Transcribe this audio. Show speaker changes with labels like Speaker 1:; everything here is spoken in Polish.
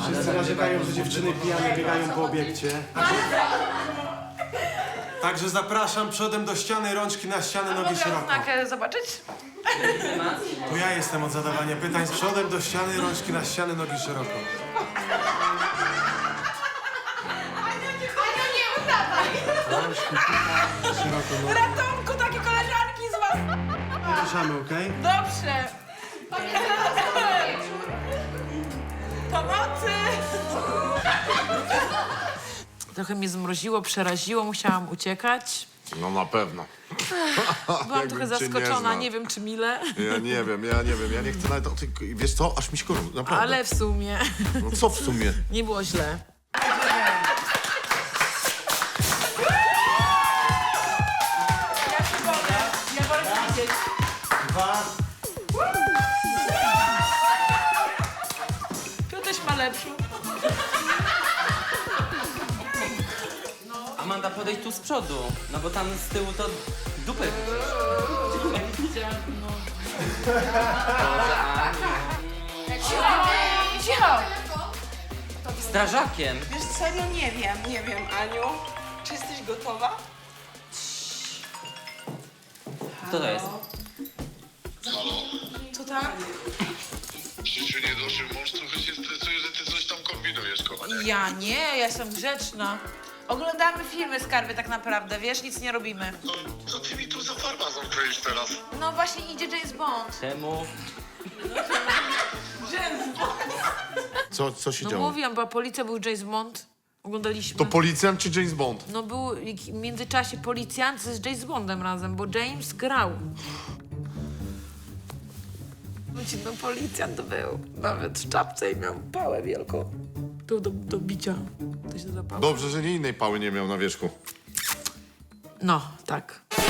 Speaker 1: Wszyscy narzekają, że dziewczyny pijane biegają po obiekcie. Także zapraszam przodem do ściany, rączki na ścianę, nogi szeroko.
Speaker 2: Mogę zobaczyć?
Speaker 1: To ja jestem od zadawania pytań. Z przodem do ściany, rączki na ścianę, nogi szeroko. Rączki szeroko, nogi.
Speaker 2: Ratunku, takie koleżanki z was!
Speaker 1: Nie ruszamy, okej?
Speaker 2: Dobrze! Pomocy! Trochę mnie zmroziło, przeraziło, musiałam uciekać.
Speaker 3: No na pewno.
Speaker 2: Byłam
Speaker 3: Jakbym
Speaker 2: trochę
Speaker 3: cię nie
Speaker 2: zaskoczona,
Speaker 3: znał.
Speaker 2: nie wiem czy mile,
Speaker 3: Ja nie wiem, ja nie chcę nawet o tym... Wiesz co, aż mi się gorąco, naprawdę.
Speaker 2: ale w sumie
Speaker 3: No co w sumie?
Speaker 2: nie było źle. Ja się boję, ja wolę widzieć.
Speaker 1: 2.
Speaker 2: Piotruś ma lepszą.
Speaker 4: Amanda, podejdź tu z przodu, no bo tam z tyłu to dupę
Speaker 2: Cicho!
Speaker 4: strażakiem.
Speaker 5: Wiesz, serio nie wiem, Aniu. Czy jesteś gotowa?
Speaker 4: Kto to jest?
Speaker 5: Co tak?
Speaker 6: W życiu nie doszły mąż, trochę się stresuje, że ty coś tam kombinujesz, kochanie.
Speaker 2: Ja nie, ja jestem grzeczna. Oglądamy filmy, skarby, tak naprawdę, wiesz, nic nie robimy.
Speaker 6: No, co ty mi tu za farmazon kroisz teraz?
Speaker 2: No właśnie idzie James Bond.
Speaker 4: Czemu?
Speaker 3: Co się
Speaker 2: No
Speaker 3: działo?
Speaker 2: mówiłam, była policja, był James Bond. Oglądaliśmy.
Speaker 3: To policjant czy James Bond?
Speaker 2: No był w międzyczasie policjant z James Bondem razem, bo James grał. No policjant był. Nawet w czapce i miał pałę wielką. Tu do bicia. To się zapałe.
Speaker 3: Dobrze, że nie innej pały nie miał na wierzchu.
Speaker 2: No, tak.